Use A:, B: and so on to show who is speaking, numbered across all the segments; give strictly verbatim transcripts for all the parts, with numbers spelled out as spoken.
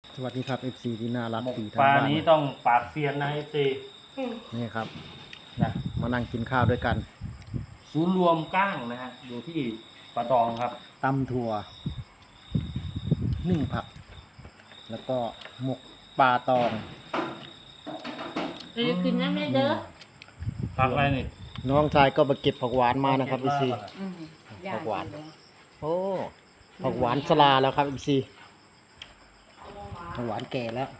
A: สวัสดีครับ เอฟ ซี ที่น่ารัก
B: หมก
A: ที่
B: ป
A: ทาง
B: ลา
A: บ้าน
B: นี้ต้องปากเซียนนะเอฟซี
A: นี่ครับ
B: นะ
A: มานั่งกินข้าวด้วยกัน
B: ศูนย์รวมก้างนะฮะอยู่ที่ปะตองครับ
A: ตำถั่วนึ่งผัก แล้วก็หมกปลาตอง
C: เอ้ยกินน้ำได้เด้อ
B: ผักอะไรนี่
A: น้องชายก็มาเก็บผักหวานมานะครับ เอฟ ซี
C: อืม
A: ผักหวาน โอ้ผักหวานสลาแล้วครับ เอฟ ซี ผักหวานแก่แล้ว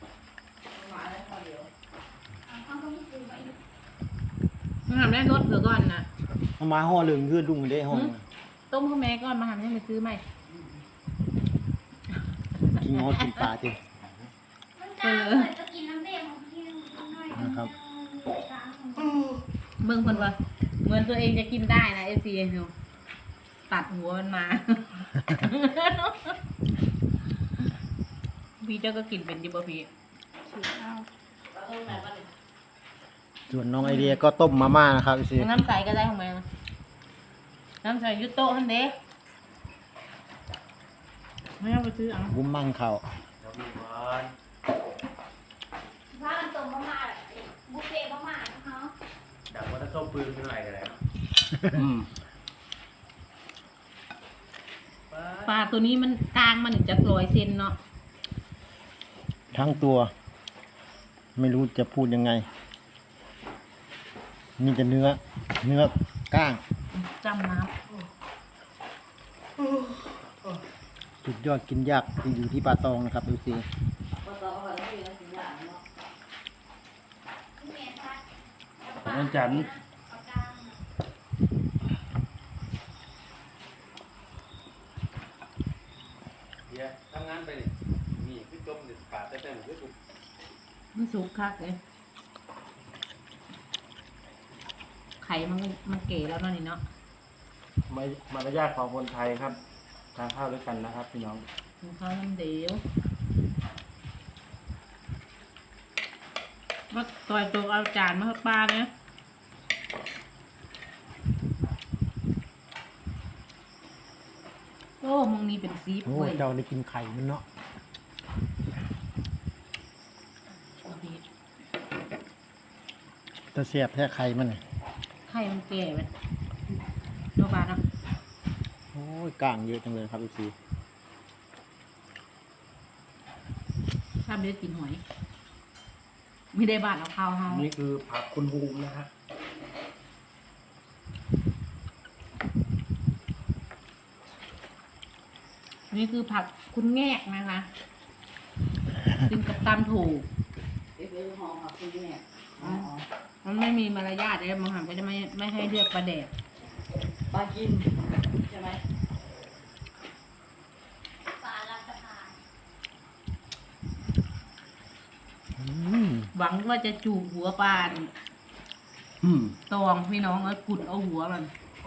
C: มันทำได้รถเผื่อก่อนนะ
A: เอามาห่อเหลืองยืดดุ้งได้ห่อ
C: ต้มข้าวแม่ก่อนมาทำให้มันซื้อใหม่
A: กินงอกินปลาจริง
C: เออ
A: นะครับ
C: เบิ่งคนว่าเหมือนตัวเองจะกินได้นะเอฟซีดูตัดหัวมันมา พี่เจ้าก็กินเป็นดิบพี่
A: ส่วนน้องไอเดียก็ต้มมาม่านะครับ เอฟ ซี
C: น้ำใสก็ได้ของแม่นะน้ำใสยุโตะทันเด้ไม่ต้องไปซื้อเอา
A: บุ้มมั่งเขา
D: ถ้ามันตรงมาม่าบุฟเฟ่มาม่าเนาะ
B: ดักว่าถ้าเข้าปืนเป็นไรกันแล้วอืม
C: ปลาตัวนี้มันกลางมันถึงจะร้อยเซนเนาะ
A: ทั้งตัว ไม่รู้จะพูดยังไง มีแต่เนื้อ เนื้อก้าง
C: จำน้
A: สุดยอดกินยากอยู่ที่ปลาตองนะครับดูสิ
B: วันจันทร์
E: เดี๋ยวทำงานไปนี่มีพี่จมเด็ดปาดแต่แต่หมูพี่สุก
C: ำมันสุกคักเลยไข่มันมันเก๋แล้วเนาะนี่เนาะ
B: ไม่มารยาทของคนไทยครับทานข้าวด้วยกันนะครับพี่น้อง
C: กินข้าวน้ำเดียวว่าต่อยตัวเอาจานมาให้ป้าเนี่ยโอ้มึงนี่เป็นซีฟ
A: โอ้
C: เว้ย
A: เจ้าได้กินไข่มันเนาะแตะเสียบแท้ไข่มันน่ะ
C: ไข่มันแก่ไปโนบาเนาะ
A: โอ้ยก้างเยอะจังเลยครับพี่ซี
C: ถ้าไม่ได้กินหอย ไม่ได้บาดเอาข้าวเฮา
B: นี่คือผักคุณบูมนะฮะ
C: นี่คือผักคุณแงกนะคะกินกับตำถูกมันไม่มีมารยาทเลยบางครั้งก็จะไม่ไม่ให้เลือกประเดด
F: ปลากินใช่ไหม
D: ปลาลาสะพาน
A: อืม
C: หวังว่าจะจูบหัวปลา
B: อืม
C: ตองพี่น้องแล้วกุดเอาหัวมัน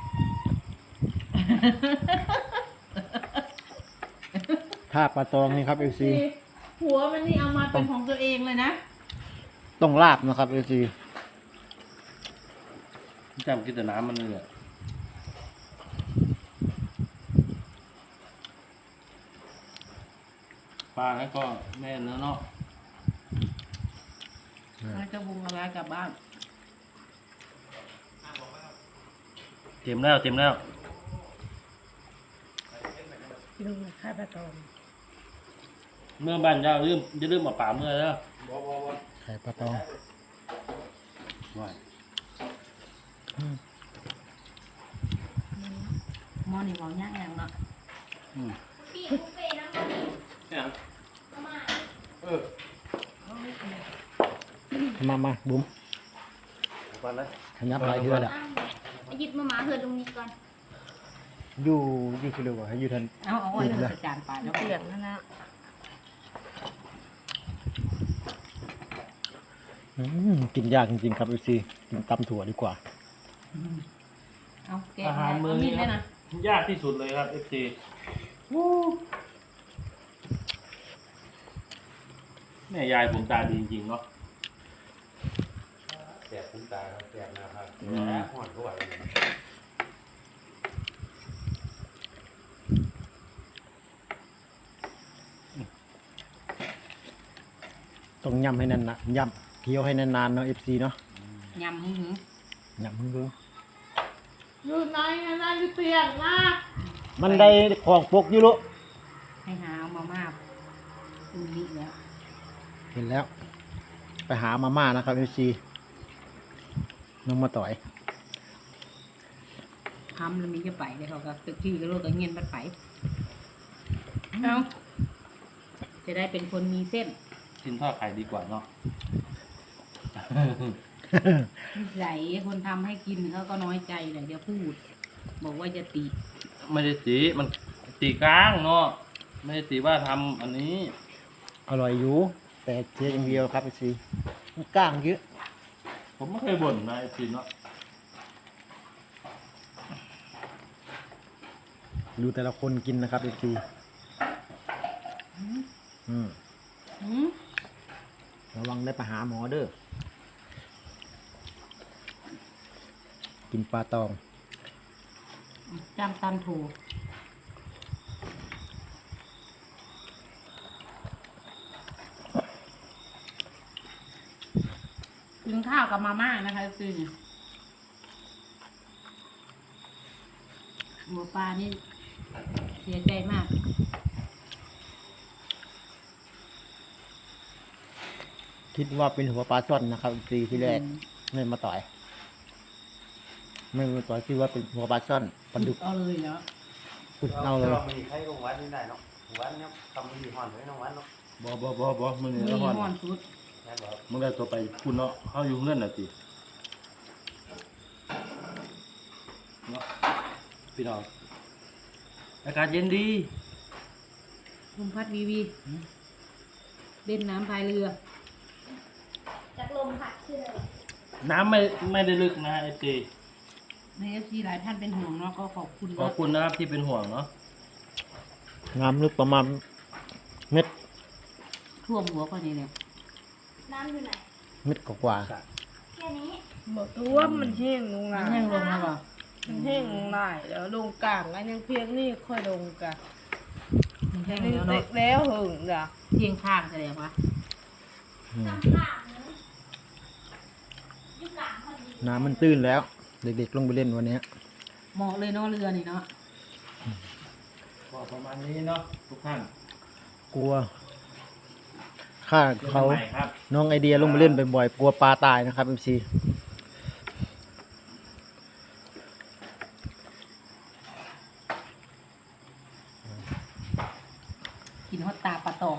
A: ถ้าปลาตองนี่ครับเอฟซี
C: หัวมันนี่เอามาเป็นของตัวเองเลยนะ
A: ต้องลาบนะครับเอฟซี
B: จำกินแต่น้ำมันเลยอะปลาแล้วก็แม่เนื้อเนาะ
C: แล้วจะวุงอะไรกลับบ้าน
B: เต็มแล้วเต็มแล้ว
C: ดูข้าวปลาตอง
B: เมื่อบ้านเจ้าลืมจะลืมมาป่าเมื่อแล้ว
E: บ่บ่บ่
A: ไข่ปลาตอง
B: ว่า
A: อืม
C: หม้อนี่หม้อย่างอย่างเนาะ
B: อืม
D: พี่บุฟเฟ่น้ำมัน
E: เนี่ย
D: มาม่า
E: เออ
A: มามาบุ้ม
E: ก่อนเลย
A: ขยับหลายเทื่อแหละ
D: อ้าวหยิบมาหมาเธอตรงนี้ก่อน
A: อยู่อยู่คือเร็วกว่าให้อยู่ทัน
C: เอาเอาไว้เลยจานปลาแล้วเปียกนั่นนะ
A: อืมกินยากจริงๆครับเอฟซีกินตำถั่วดีกว่า
C: เอาแกะ
B: อาหารมื้อ
C: มี
B: นี้
C: ด
B: ค
C: ได้
B: รับ
C: นะ
B: ยากที่สุดเลยครับเอฟซีแม่ยายผมตาดีจริงๆเนาะ
E: แสบคุ้มตาครับแสบหนะครับ
B: อื
E: แส
B: ม
E: บห่อนก็ไหว
A: ต้องยำให้นานๆยำเคี้ยวให้นานๆเนาะ เอฟ ซี เนาะ
C: ยำหึ้ง
A: ยำมึงดู
C: อยู่ไหนนะอยู่เตียงนะ
A: มันได้ของปกอยู่ลูก
C: ให้หาเอามาม่าอุ่นนี่แล้ว
A: เห็นแล้ว ไปหามาม่านะครับ เอฟ ซี น้องมาต่อย
C: ทำแล้วมีจะไปเลยเขาก็ตึกที่ก็โลกก็เงียนบัดไปเอาจะได้เป็นคนมีเส้น
B: กินทอดไข่ดีกว่าเนาะ
C: นิสัยคนทำให้กินเขาก็น้อยใจแหละจะพูด บอกว่าจะติ
B: ไม่ได้ตีมันตีกลางเนาะไม่ได้ตีว่าทำอันนี้
A: อร่อยอยู่แต่เจ๊อย่างเดียวครับ เอฟ ซี มันก้างเยอะ
B: ผมไม่เคยบ่นนะไอ้จีนเนาะ
A: ดูแต่ละคนกินนะครับ เอฟ ซี อืม
C: อืม
A: ระวังได้ไปหาหมอเด้อ กินปลาตอง
C: จำตามถูกกินข้าวกับมาม่านะคะคือหมูปลานี่เสียใจมาก
A: คิดว่าเป็นหัวปลาช่อนนะครับ เอฟ ซี ที่แรก
C: อืม
A: ไม่มาต่อย ไม่มาต่อยคิดว่าเป็นหัวปลาช่อนปลาดุก
C: เอาเลยเหรอ
A: อุดเอาเลย
E: เรามีใครลงวัดนี่ได้เนาะวัดเนี่ยทำมีห่อนไว้น้องวัดเนาะ
B: บอบอบอบอมึง
C: มี
B: เนี่ยละ
C: ห่
B: ค
C: อ
B: ร
C: นสุด
E: แม่บอก
B: มึงได้ตัวไปคุณเนาะเขาอยู่เงื่อนน่ะจีเนาะพี่น้องอากาศเย็นดี
C: ลมพัดวีวีเล่นน้ำพายเรือ
D: จากลมพัดขึ้นเลย
B: น้ำไม่ไม่ได้ลึกนะไอจี
C: ในเอฟซีหลายท่านเป็นห่วงเนาะก็ขอบคุณ
B: ขอบคุณนะครับที่เป็นห่วงเนาะ
A: น้ำลึกประมาณเม็ด
C: ท่วมหัวก็นี่เนี่ย
D: น้ำอยู่ไหน
A: เม็ดกว่า
D: แค่นี้
G: บอกตัวมันแห้งลง
C: มั
G: ลาน
C: แห้งลงแล้วเปล่า
G: มันแห้งลงหลายแล้วลงกลางอันยังเพียงนี่ค่อยลงกะ
C: มันแห้ง
G: นี่
C: แล้ว
G: เต็
C: เนาะ
G: กแล้วหึงจ้ะ
C: เพียงข้างแสดงว่า
A: ๆอืม
D: น้ำข้างนึงอยู่กลางพอดี
A: น้ำมันตื้นแล้ว เด็กๆลงไปเล่นวันเนี้ย
C: เหมาะเลยเนาะเรือนี่เนาะ
B: ก็ประมาณนี้เนาะทุกท่าน
A: กลัวข้า
B: เจอกั
A: เขา
B: นใหม่ครับ
A: น้องไอเดียลงไปเล่นบ่อยๆกลัวปลาตายนะครับ เอฟ ซี
C: กินฮอตตาปลาตอง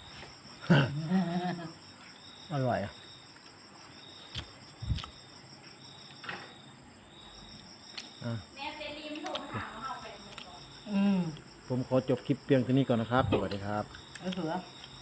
A: อร่อยอะอ่ะ
D: แม่เซรีมโทรมาถามว่าเอาไปหมดก่อน
C: อืม
A: ผมขอจบคลิปเพียงเท่านี้ก่อนนะครับ สวัสดีครับ
C: เอาเสือ
A: ค